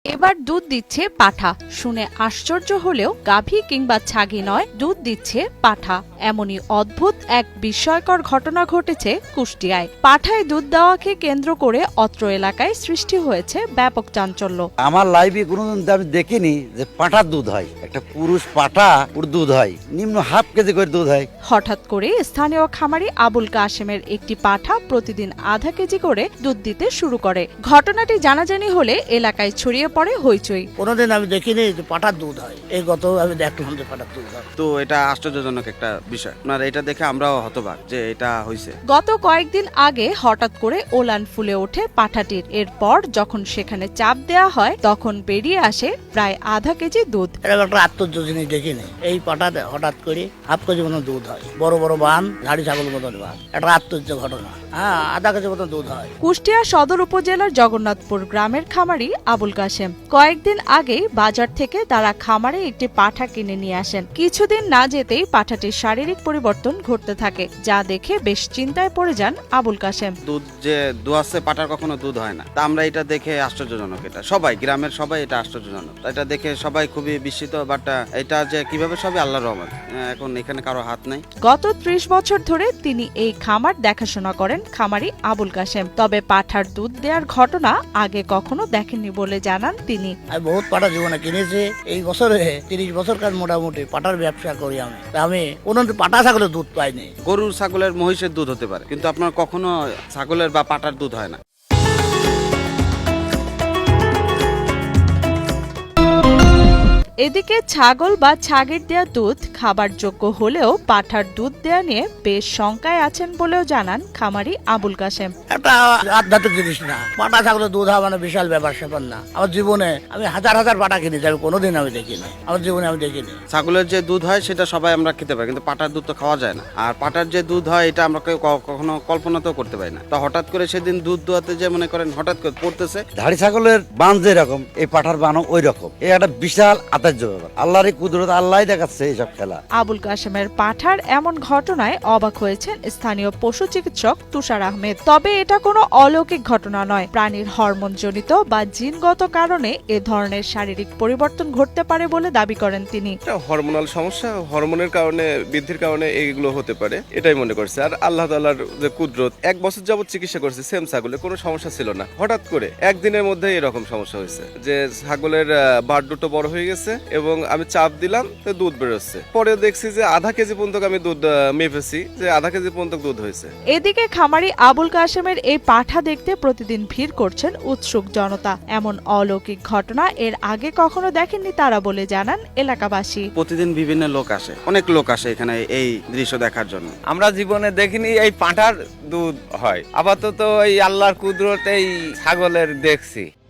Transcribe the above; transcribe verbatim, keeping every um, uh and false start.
এবার দুধ দিচ্ছে পাঠা। শুনে আশ্চর্য হলেও গাভী কিংবা ছাগি নয়, দুধ দিচ্ছে পাঠা। এমনই অদ্ভুত এক বিস্ময়কর ঘটনা ঘটেছে কুষ্টিয়ায়। পাঠায় দুধ দেওয়াকে কেন্দ্র করে অত্র এলাকায় সৃষ্টি হয়েছে ব্যাপক চাঞ্চল্য। আমার লাইফে কোনোদিন আমি দেখিনি যে পাঠার দুধ হয়। একটা পুরুষ পাঠা ওর দুধ হয় নিম্ন হাফ কেজি করে দুধ হয়। হঠাৎ করে স্থানীয় খামারি আবুল কাশেমের একটি পাঠা প্রতিদিন আধা কেজি করে দুধ দিতে শুরু করে। ঘটনাটি জানাজানি হলে এলাকায় ছড়িয়ে পড়ে হইচই। কোনোদিন আমি দেখিনি যে পাঠার দুধ হয়, এই গত আমি দেখলাম যে পাঠার দুধ হয়। তো এটা আশ্চর্যজনক একটা বিষয়। আপনার এটা দেখে আমরাও হতবাক যে এটা হয়েছে। গত কয়েকদিন আগে হঠাৎ করে ওলান ফুলে ওঠে পাঠাটির। এরপর যখন সেখানে চাপ দেয়া হয় তখন বেরিয়ে আসে প্রায় আধা কেজি দুধ। এরকম একটা আশ্চর্য জিনিস দেখিনি। এই পাঠাতে হঠাৎ করে হাফ কেজি মতো দুধ হয়, বড় বড় বান, ধাড়ি ছাগল মতন বান। একটা আশ্চর্য ঘটনা। হ্যাঁ, আধা কেজি মতো দুধ হয়। কুষ্টিয়া সদর উপজেলার জগন্নাথপুর গ্রামের খামারি আবুল কাশেম কয়েকদিন আগেই বাজার থেকে তারা খামারে একটি পাঠা কিনে নিয়ে আসেন। কিছুদিন না যেতেই পাঠাটির শারীরিক পরিবর্তন ঘটতে থাকে, যা দেখে বেশ চিন্তায় পড়ে যান আবুল কাশেম। দুধ যে দুয়াচ্ছে পাটার কখনো দুধ হয় না। তা আমরা এটা দেখে আশ্চর্যজনক, এটা সবাই গ্রামের সবাই এটা আশ্চর্যজনক। এটা দেখে সবাই খুবই বিস্মিত। বাট এটা যে কিভাবে সবই আল্লাহর রহমত, এখন এখানে কারো হাত নাই। গত ত্রিশ বছর ধরে তিনি এই খামার দেখাশোনা করেন খামারি আবুল কাশেম। তবে পাঠার দুধ দেওয়ার ঘটনা আগে কখনো দেখেননি বলে জানান তিনি। আমি বহুত পাঠা জীবনে কিনেছি। এই বছরে তিরিশ বছর কাজ মোটামুটি পাঠার ব্যবসা করি আমি। তা আমি কোনোদিন পাঠা ছাগলের দুধ পাইনি। গরুর ছাগলের মহিষের দুধ হতে পারে, কিন্তু আপনার কখনো ছাগলের বা পাটার দুধ হয় না। এদিকে ছাগল বা ছাগির দেয়া দুধ খাবার যোগ্য হলেও পাঠার দুধ দেয়া নিয়ে বেশ শঙ্কায় আছেন বলেও জানান খামারি আবুল কাশেম। একটা আধ্যাত্মিক জিনিস না, পাঠা ছাগলের দুধ হওয়া মানে বিশাল ব্যাপার স্যাপার না। আমার জীবনে আমি হাজার হাজার পাঠা কিনেছি, আমি কোনোদিন আমি দেখিনি, আমার জীবনে আমি দেখিনি। ছাগলের যে দুধ হয় সেটা সবাই আমরা খেতে পারি, কিন্তু পাটার দুধ তো খাওয়া যায় না। আর পাটার যে দুধ হয় এটা আমরা কেউ কখনো কল্পনাতেও করতে পারি না। তো হঠাৎ করে সেদিন দুধ দোয়াতে যে মনে করেন হঠাৎ করে পড়তেছে। ধাড়ি ছাগলের বান যেরকম এই পাঠার বানও ওই রকম। এই একটা বিশাল আশ্চর্য ব্যাপার। আল্লাহরই কুদরত, আল্লাহ দেখাচ্ছে এইসব খেলা। আবুল কাশেমের পাঠার এমন ঘটনায় অবাক হয়েছেন স্থানীয় পশু চিকিৎসক তুষার আহমেদ। তবে এটা কোনো অলৌকিক ঘটনা নয়। প্রাণীর হরমোনজনিত বা জিনগত কারণে এ ধরনের শারীরিক পরিবর্তন ঘটতে পারে বলে দাবি করেন তিনি। হরমোনাল সমস্যা, হরমোনের কারণে বৃদ্ধির কারণে এইগুলো হতে পারে, এটাই মনে করছে। আর আল্লাহ তাআলার যে কুদরত, এক বছর যাবত চিকিৎসা করছে সেম ছাগলে, কোনো সমস্যা ছিল না। হঠাৎ করে একদিনের মধ্যে এরকম সমস্যা হয়েছে যে ছাগলের বাট দুটো বড় হয়ে গেছে এবং আমি চাপ দিলাম তো দুধ বেরোচ্ছে। পরে দেখছি যে আধা কেজি পর্যন্ত আমি দুধ মেপেছি, যে আধা কেজি পর্যন্ত দুধ হয়েছে। এদিকে খামারি আবুল কাশেমের এই পাঠা দেখতে প্রতিদিন ভিড় করছেন উৎসুক জনতা। এমন অলৌকিক ঘটনা এর আগে কখনো দেখেননি তারা বলে জানান এলাকাবাসী। প্রতিদিন বিভিন্ন লোক আসে, অনেক লোক আসে এখানে এই দৃশ্য দেখার জন্য। আমরা জীবনে দেখিনি এই পাঁঠার দুধ হয়। আপাতত এই আল্লাহর কুদরত এই ছাগলের দেখছি।